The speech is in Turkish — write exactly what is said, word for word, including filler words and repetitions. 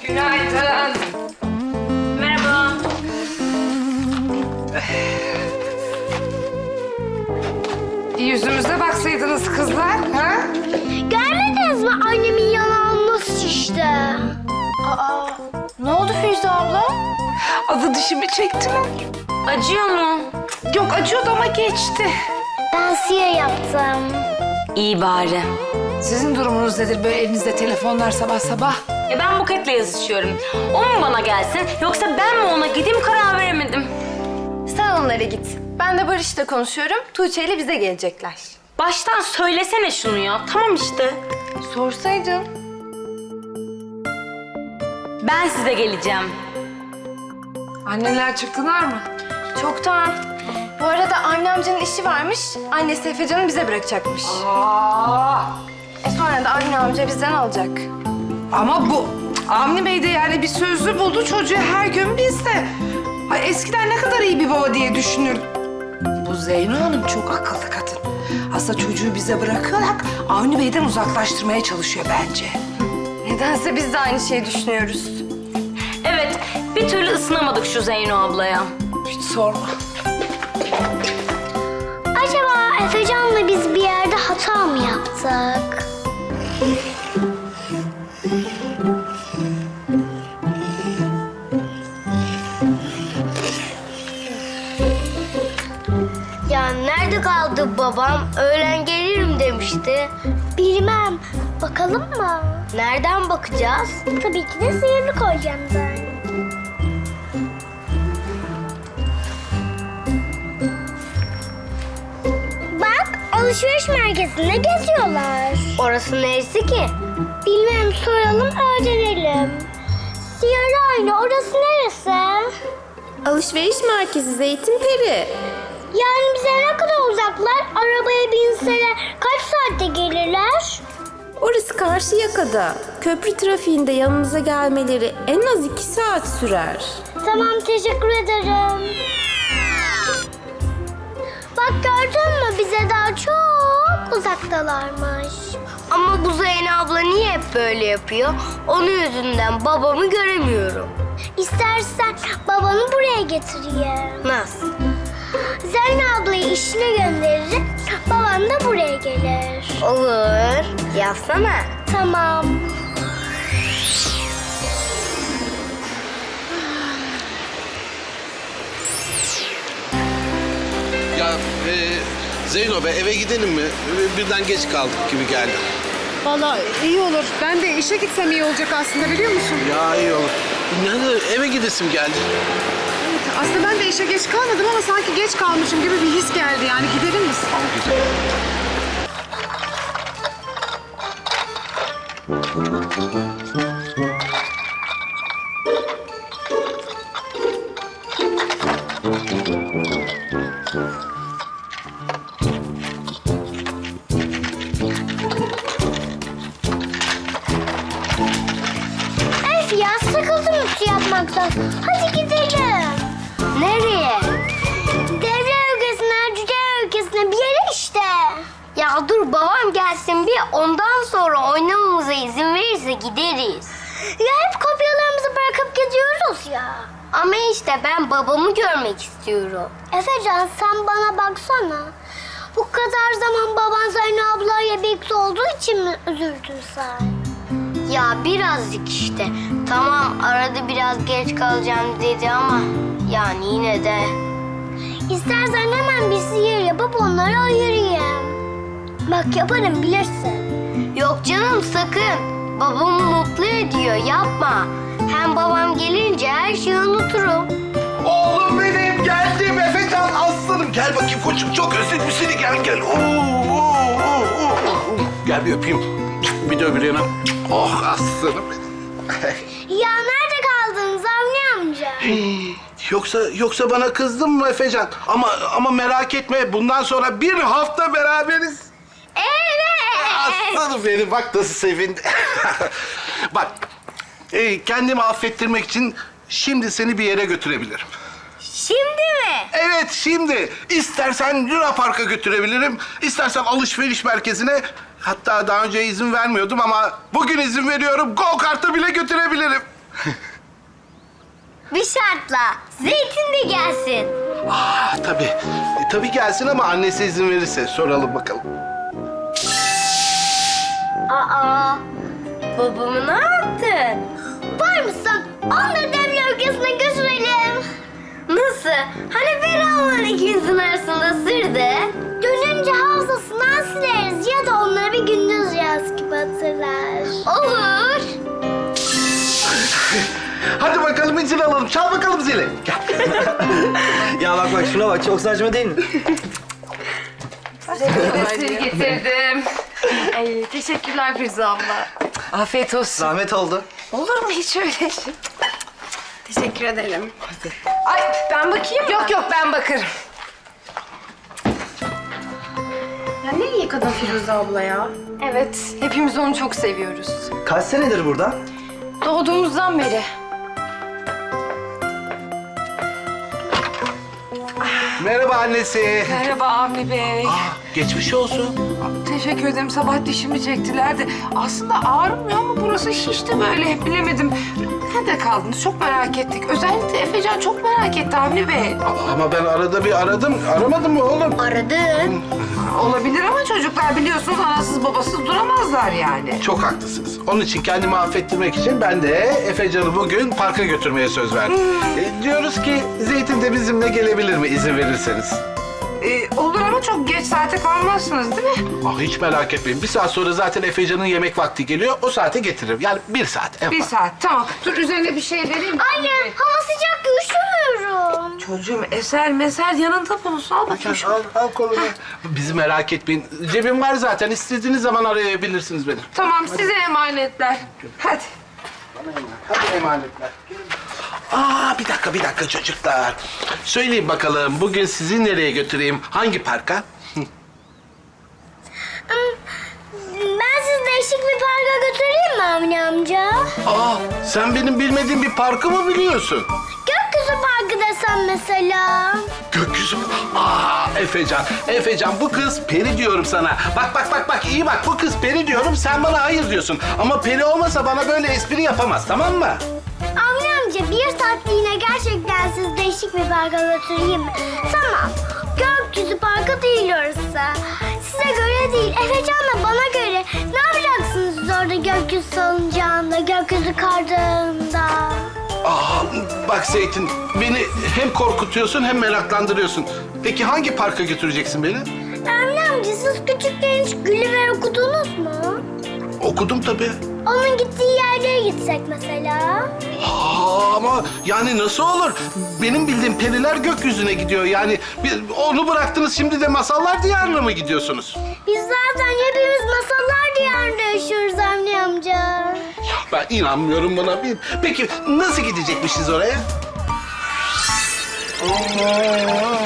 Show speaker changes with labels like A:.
A: Günaydın.
B: Merhaba.
A: Bir yüzümüze baksaydınız kızlar, ha?
C: Görmediniz mi annemin yanağını nasıl şişti?
B: Aa, ne oldu Firuze abla?
A: Adı dişimi çektiler.
B: Acıyor mu?
A: Yok, acıyordu ama geçti.
C: Ben siyah yaptım.
B: İyi bari.
A: Sizin durumunuz nedir böyle elinizde telefonlar sabah sabah?
B: Ya ben Buket'le yazışıyorum. O mu bana gelsin yoksa ben mi ona gideyim karar veremedim.
D: Sen onlara git. Ben de Barış'la konuşuyorum. Tuğçe ile bize gelecekler.
B: Baştan söylesene şunu ya. Tamam işte.
D: Sorsaydın.
B: Ben size geleceğim.
A: Anneler çıktılar mı?
D: Çoktan. Bu arada anne amcanın işi varmış. Annesi Efecan'ı bize bırakacakmış.
A: Aa!
D: E sonra da anne amca bizden alacak.
A: Ama bu Avni Bey de yani bir sözlü buldu çocuğu her gün bizde. Ay eskiden ne kadar iyi bir baba diye düşünürdüm. Bu Zeyno Hanım çok akıllı kadın. Aslında çocuğu bize bırakarak Avni Bey'den uzaklaştırmaya çalışıyor bence.
D: Nedense biz de aynı şeyi düşünüyoruz.
B: Evet, bir türlü ısınamadık şu Zeyno ablaya.
A: Hiç sorma.
C: Acaba Efecan'la biz bir yerde hata mı yaptık? Ya nerede kaldı babam? Öğlen gelirim demişti. Bilmem. Bakalım mı? Nereden bakacağız? Tabii ki de sihirli koyacağım ben. Bak, alışveriş merkezinde geziyorlar. Orası neresi ki? Bilmem, soralım, öğrenelim. Sihirli ayna, orası neresi?
D: Alışveriş merkezi Zeytinperi.
C: Yani bize ne kadar uzaklar? Arabaya binseler kaç saatte gelirler?
E: Orası Karşıyaka'da. Köprü trafiğinde yanımıza gelmeleri en az iki saat sürer.
C: Tamam, teşekkür ederim. Bak gördün mü? Bize daha çok uzaktalarmış. Ama bu Zeynep abla niye hep böyle yapıyor? Onun yüzünden babamı göremiyorum. İstersen babanı buraya getireyim. Nasıl? Zeynep ablayı işine gönderirim, baban da buraya gelir. Olur. Yapsana. Tamam.
F: Ya e, Zeyno be eve gidelim mi? E, Birden geç kaldık gibi geldi.
G: Vallahi iyi olur. Ben de işe gitsem iyi olacak aslında biliyor musun?
F: Ya iyi olur. Yani eve gidesim geldi.
G: Evet, aslında ben de işe geç kalmadım ama sanki geç kalmışım gibi bir his geldi. Yani gidelim mi?
F: Güzel.
C: Öf ya, sıkıldım ütü yapmaktan. Hadi gidelim. Nereye? Devre ülkesine, cüce ülkesine bir yere işte. Ya dur babam gelsin bir, ondan sonra oynamamıza izin verirse gideriz. Ya hep kopyalarımızı bırakıp gidiyoruz ya. Ama işte ben babamı görmek istiyorum. Efecan sen bana baksana. Bu kadar zaman baban Zeynep ablayla birlikte olduğu için mi üzüldün sen? Ya birazcık işte. Tamam arada biraz geç kalacağım dedi ama yani yine de. İstersen hemen bir sihir yapıp onları ayırayım. Bak yaparım bilirsin. Yok canım sakın. Babamı mutlu ediyor yapma. Hem babam gelince her şeyi unuturum.
F: Oğlum benim geldim Efecan aslanım. Gel bakayım koçum çok özledim seni gel gel. Oo, oo, oo, oo. Gel bir öpeyim. Bir de öbür yana. Oh aslanım benim.
C: Ya nerede kaldınız Avni amca?
F: Yoksa yoksa bana kızdın mı Efecan? Ama ama merak etme bundan sonra bir hafta beraberiz.
C: Evet.
F: Aslanım benim bak nasıl sevindi. Bak e, kendimi affettirmek için şimdi seni bir yere götürebilirim.
C: Şimdi mi?
F: Evet şimdi. İstersen Luna Park'a götürebilirim. İstersen alışveriş merkezine. Hatta daha önce izin vermiyordum ama bugün izin veriyorum. Go kart'a bile götürebilirim.
C: bir şartla. Zeytin de gelsin.
F: Ah tabii. E, tabii gelsin ama annesi izin verirse soralım bakalım.
C: Aa, babamı ne yaptın? Var mısın? Onları demir ülkesine götürelim. Nasıl? Hani Ferah'ın ikimizin arasında sırdı? Dönünce hafızasından sileriz ya da onları bir gündüz rüyası gibi hatırlar. Olur.
F: Hadi bakalım izin alalım. Çal bakalım zili. Gel.
H: Ya bak bak şuna bak çok saçma değil mi?
A: Sır getirdim.
D: Ay, teşekkürler Firuze abla.
A: Afiyet olsun.
H: Zahmet oldu.
A: Olur mu hiç öyle şey?
D: Teşekkür ederim.
A: Ay
D: Ben bakayım mı?
A: yok yok ben bakarım.
D: Ya ne iyi kadın Firuze abla ya. Evet, hepimiz onu çok seviyoruz.
H: Kaç senedir burada?
D: Doğduğumuzdan beri.
F: Merhaba annesi.
A: Merhaba Avni Bey.
F: Ah, geçmiş olsun.
A: Teşekkür ederim. Sabah dişimi çektilerdi. Aslında ağrımıyor ama burası şişti böyle. Bilemedim. Nerede kaldınız? Çok merak ettik. Özellikle Efecan çok merak etti Avni Bey.
F: Ama ben arada bir aradım. Aramadın mı oğlum?
C: Aradın.
A: Olabilir ama çocuklar biliyorsunuz anasız babasız duramazlar yani.
F: Çok haklısınız. Onun için kendimi affettirmek için ben de Efecan'ı bugün parka götürmeye söz verdim. E, diyoruz ki Zeytin de bizimle gelebilir mi izin verirseniz?
A: Ee, olur ama çok geç saate kalmazsınız değil mi?
F: Ah, hiç merak etmeyin. Bir saat sonra zaten Efecan'ın yemek vakti geliyor. O saate getiririm. Yani bir saat. en
A: Bir
F: fazla.
A: saat tamam. Dur üzerine bir şey vereyim.
C: Anne, hava sıcak, üşümüyorum.
A: Çocuğum eser meser yanında bulunsun. Al bakayım şunu.
F: Al, al kolunu. Bizi merak etmeyin. Cebim var zaten. İstediğiniz zaman arayabilirsiniz beni.
A: Tamam size emanetler. Hadi.
F: Hadi emanetler. Aa bir dakika bir dakika çocuklar. Söyleyin bakalım bugün sizi nereye götüreyim? Hangi parka?
C: Ben sizi değişik bir parka götüreyim mi Avni amca?
F: Aa sen benim bilmediğim bir parkı mı biliyorsun?
C: Gökyüzü Parkı desem mesela.
F: Gökyüzü mü? Aa Efecan, Efecan bu kız peri diyorum sana. Bak bak bak bak iyi bak bu kız peri diyorum sen bana hayır diyorsun. Ama peri olmasa bana böyle espri yapamaz tamam mı?
C: Avni amca bir saatliğine gerçekten sizi değişik bir parka götüreyim mi? Tamam. Gökyüzü Parkı değil orası. Size göre değil. Efecan'la bana göre. Ne yapacaksınız siz orada gökyüzü salıncağında, gökyüzü kardağında?
F: Aa bak Zeytin beni hem korkutuyorsun hem meraklandırıyorsun. Peki hangi parka götüreceksin beni?
C: Avni amca siz küçükken hiç Gulliver okudunuz mu?
F: Okudum tabii.
C: Onun gittiği yerlere gitsek mesela.
F: Aa, ama yani nasıl olur? Benim bildiğim periler gökyüzüne gidiyor. Yani bir- onu bıraktınız şimdi de masallar diyarına mı gidiyorsunuz?
C: Biz zaten hepimiz masallar diyarında yaşıyoruz Avni amca.
F: Ya ben inanmıyorum buna. Bir- Peki nasıl gidecekmişiz oraya?